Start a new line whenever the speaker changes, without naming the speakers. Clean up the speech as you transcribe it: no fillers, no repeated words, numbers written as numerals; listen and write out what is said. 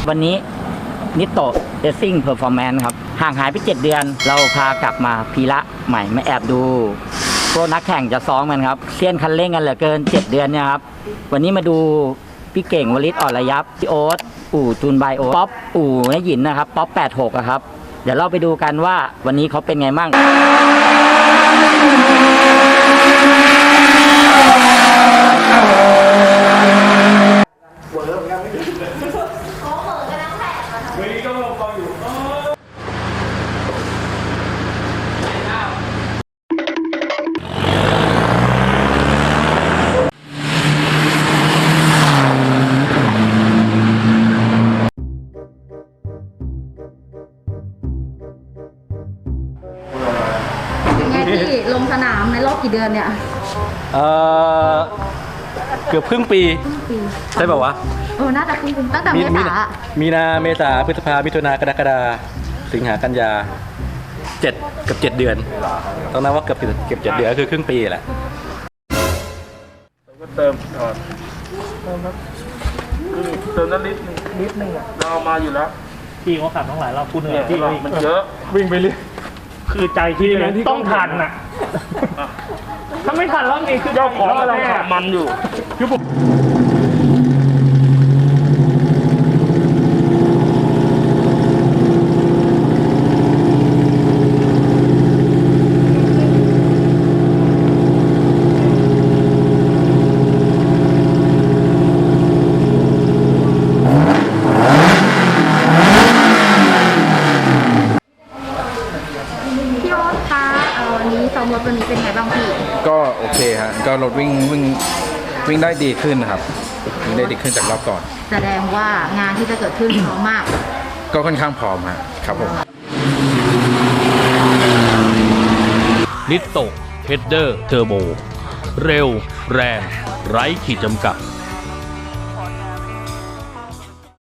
วันนี้นิโตเรซซิ่งเพอร์ฟอร์แมนซ์ครับห่างหายไป7 เดือนเราพากลับมาพีระใหม่มาแอบดูพวกนักแข่งจะซ้อมกันครับเซียนคันเร่งกันเหลือเกิน7 เดือนเนี่ยครับวันนี้มาดูพี่เก่งวลิศอ่อนระยับพี่โอ๊ตอู่จูนไบโอป๊อปอู่นหยินนะครับป๊อป86ครับเดี๋ยวเราไปดูกันว่าวันนี้เขาเป็นไงมั่ง
เป็นไงที่ลงสนามในรอบกี่เดือนเนี่ย
เกือบครึ่งปีใช่ป่าวะ
น่าจะครึ่งปีตั้งแต่เมษา
มีนาเมษาพฤษภามิถุนากรกฎาสิงหากันยา7 กับ 7 เดือนต้องนับว่าเกือบ7 เดือนคือครึ่งปีแหละ
ก็เติมก่อนเติมนั้นลิตรนึงเราเอามาอยู่แล้ว
พี่เขาขับทั้งหลายรอบพูดเหนื่อย
ที่มันเยอะ
วิ่งไปเรื่อยคือใจที่ต้องทันน่ะถ้าไม่ทันรอบนี้คือ
เจ้าของกำลังขับมันอยู่
คือผม
รถวันนี้เป็นไงบ้างพี่
ก็โอเคฮะก็รถวิ่งได้ดีขึ้นนะครับวิ่งได้ดีขึ้นจากรอบก่อน
แสดงว่างานที่จะเกิดขึ้นพร้อมมาก
ก็ค่อนข้างพร้อมฮะครับผม
นิโตเฮดเดอร์เทอร์โบเร็วแรงไร้ขีดจำกัด